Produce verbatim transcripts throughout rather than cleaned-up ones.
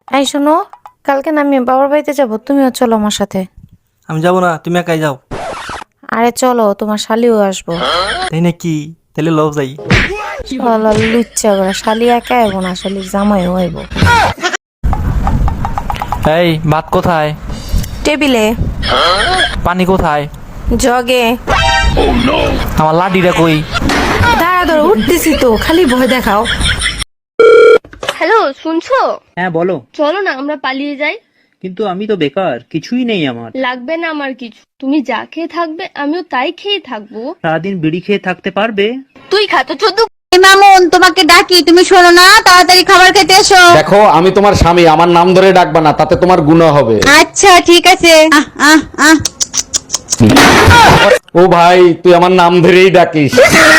এই শোনো, কালকে না আমি বাবার বাড়িতে যাবো, তুমিও চলো আমার সাথে। আমি যাবো না, তুমি একাই যাও। আরে চলো, তোমার শালিও আসবো। তাই নাকি? তাহলে লও যাই। চলো, লুচ্চা করে শালি একা আইবো না, শালির জামাইও আইবো। এই ভাত কোথায়? টেবিলে। পানি কোথায়? জগে। আমার লাডিটা কই? দাঁড়া ধরো, উঠতেছি তো, খালি ভয় দেখাও। হ্যালো, শুনছো? হ্যাঁ বলো। চলো না আমরা পালিয়ে যাই। কিন্তু আমি তো বেকার, কিছুই নেই আমার। লাগবে না আমার কিছু, তুমি যা খেয়ে থাকবে আমিও তাই খেয়ে থাকবো। সারাদিন বিড়ি খেয়ে থাকতে পারবে? তুই খা তো চোদ্দ। মামুন, তোমাকে ডাকি, তুমি শোনো না, তাড়াতাড়ি খাবার খেতে এসো। দেখো, আমি তোমার স্বামী, আমার নাম ধরে ডাকবা না, তাতে তোমার গুনাহ হবে। আচ্ছা ঠিক আছে। আহ আহ আহ ও ভাই, তুই আমার নাম ধরেই ডাকিস।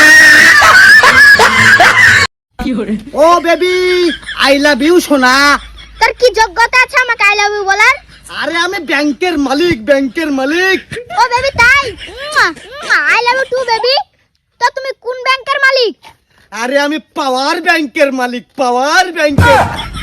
ও বেবি, আই লাভ ইউ সোনা। তোর কি যোগ্যতা আছে আমাকে আই লাভ ইউ বলার? আরে আমি ব্যাংকের মালিক, ব্যাংকের মালিক। ও বেবি তাই? I love you too baby. তো তুমি কোন ব্যাংকের মালিক? আরে আমি পাওয়ার ব্যাংকের মালিক, পাওয়ার ব্যাংকের।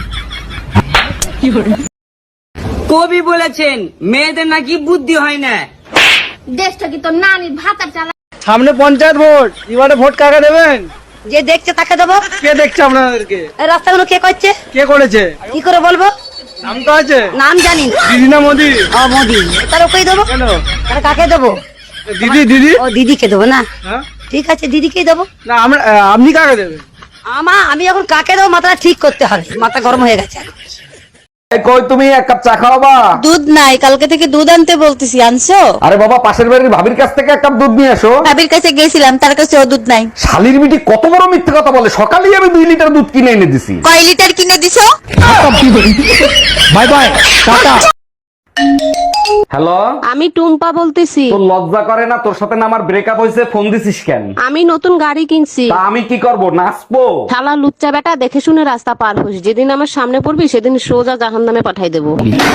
কবি বলেছেন মেয়েদের নাকি বুদ্ধি হয় না। দেশটা কি তোর নানির ভাতার চালা? সামনে পঞ্চায়েত ভোট, এবারে ভোট কাকে দেবেন? যে দেখছে তাকে দেবো। কে দেখছে আপনাদেরকে? এই রাস্তাগুলো কে করছে? কে করেছে? কি করে বলবো? নাম তো আছে? নাম জানি না। দিদি না মোদি? ও মোদি। তার ওকেই দেবো। কেন? তার কাকে দেবো? দিদি, দিদি। ও দিদিকে দেবো না? হ্যাঁ? ঠিক আছে, দিদিকেই দেবো। না আমরা, আপনি কাকে দেবেন? আমা আমি এখন কাকে দেবো মাথাটা ঠিক করতে হবে, মাথা গরম হয়ে গেছে। এই কই, তুমি এক কাপ চা খাওয়াবা? দুধ নাই, কালকে থেকে দুধ আনতে বলতেছি, আনছো? আরে বাবা, পাশের বাড়ির ভাবির কাছ থেকে এক কাপ দুধ নিয়ে এসো। ভাবির কাছে গেছিলাম, তার কাছে ও দুধ নাই। শালির মিটি কত বড় মিথ্যে কথা বলে, সকালেই আমি দুই লিটার দুধ কিনে এনে দিছি। কয় লিটার কিনে দিছো? By bye, tata. হ্যালো, আমি টুম্পা বলতেছি। তোর লজ্জা করে না? তোর সাথে না আমার ব্রেকআপ হয়েছে, ফোন দিছিস কেন? আমি নতুন গাড়ি কিনছি। তা আমি কি করব, নাচবো? শালা লুচ্চা বেটা, দেখে শুনে রাস্তা পার হোস, যেদিন আমার সামনে পড়বি সেদিন সোজা জাহান্নামে পাঠাই দেবো।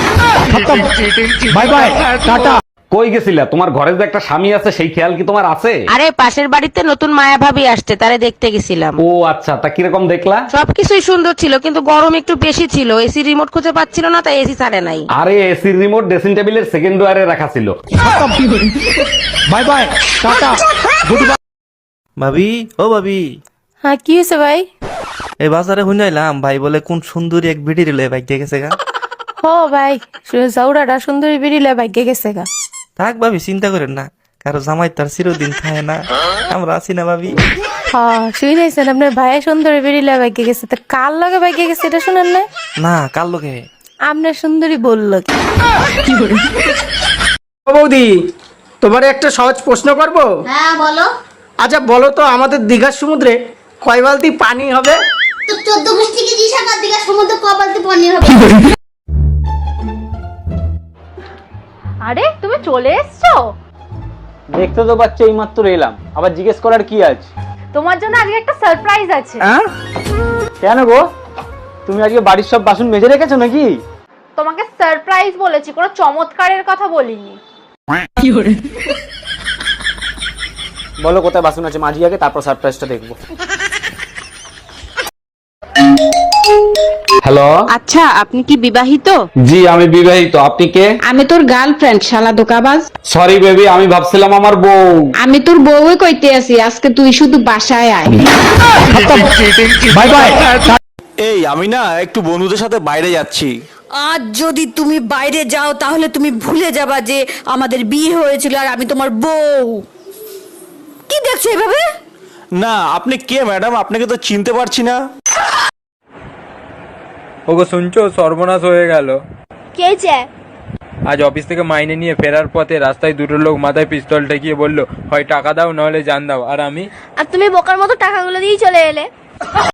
বাই বাই, টাটা। কই গেছিলা? তোমার ঘরে যে একটা স্বামী আছে, সেই খেয়াল কি তোমার আছে? আরে পাশের বাড়িতে নতুন মায়া ভাবি আসছে, তারে দেখতে গেছিলাম। ও আচ্ছা, তা কিরকম দেখলা? সবকিছুই সুন্দর ছিল, কিন্তু গরম একটু বেশি ছিল। এসি রিমোট খুঁজে পাচ্ছিল না, তাই এসি ছাড়ে নাই। আরে এসির রিমোট ড্রেসিং টেবিলের সেকেন্ড ওয়ারে রাখা ছিল। বাই বাই, টাটা। ভাবি, ও ভাবি, হ্যাঁ কি হয়েছে ভাই? এই বাজারে শুনাইলাম ভাই বলে কোন সুন্দরী এক ভিডি রিলে বাইক দিয়ে গেছে গা। ও ভাই, জাউরাটা সুন্দরী বেরিলে ভাগ্যে গেছে গা। থাক ভাবি, চিন্তা করেন না, কারো জামাই তার চিরদিন খায় না, আমরা আছি না ভাবি। হ্যাঁ শুনেছেন, আপনার ভাই সুন্দরী বেরিলে ভাগ্যে গেছে, তো কার লগে ভাগ্যে গেছে এটা শুনেন না? না, কার লোকে? আপনার সুন্দরী বললো কি? বৌদি, তোমার একটা সহজ প্রশ্ন করব? হ্যাঁ বলো। আচ্ছা বলো তো, আমাদের দীঘার সমুদ্রে কয় বালতি পানি হবে? তো চোদ্দ গোষ্ঠী কি দিশাকার দিঘা সমুদ্র কপালতে পনির হবে? আরে তুমি চলে এসছো? দেখতে তো পাচ্ছ এই মাত্র এলাম, আবার জিজ্ঞেস করার কি আছে? তোমার জন্য আজকে একটা সারপ্রাইজ আছে। হ্যাঁ? কেন গো, তুমি আজকে বাড়ির সব বাসন মেজে রেখেছো নাকি? তোমাকে সারপ্রাইজ বলেছি, কোনো চমৎকারের কথা বলিনি। বলো কোথায় বাসন আছে, মাঝি আগে, তারপর সারপ্রাইজটা দেখবো। হ্যালো। আচ্ছা, আপনি কি বিবাহিত? জি আমি বিবাহিত, আপনি কে? আমি তোর গার্লফ্রেন্ড, শালা দোকাবাজ। সরি বেবি, আমি ভাবছিলাম আমার বউ। আমি তোর বউই কইতে আছি, আজকে তুই শুধু বাসায় আয়। Bye bye. এই আমি না একটু বন্ধুদের সাথে বাইরে যাচ্ছি। আজ যদি তুমি বাইরে যাও তাহলে তুমি ভুলে যাবা যে আমাদের বিয়ে হয়েছিল আর আমি তোমার বউ। কি দেখছো এভাবে? না, আপনি কে ম্যাডাম? আপনাকে তো চিনতে পারছি না। ওগো শুনছো, সর্বনাশ হয়ে গেল। কে চে? আজ অফিস থেকে মাইনে নিয়ে ফেরার পথে রাস্তায় দুটো লোক মাথায় পিস্তল ঠেকিয়ে বললো, হয় টাকা দাও নাহলে জান দাও। আর আমি, আর তুমি বোকার মতো টাকাগুলো দিয়ে চলে এলে।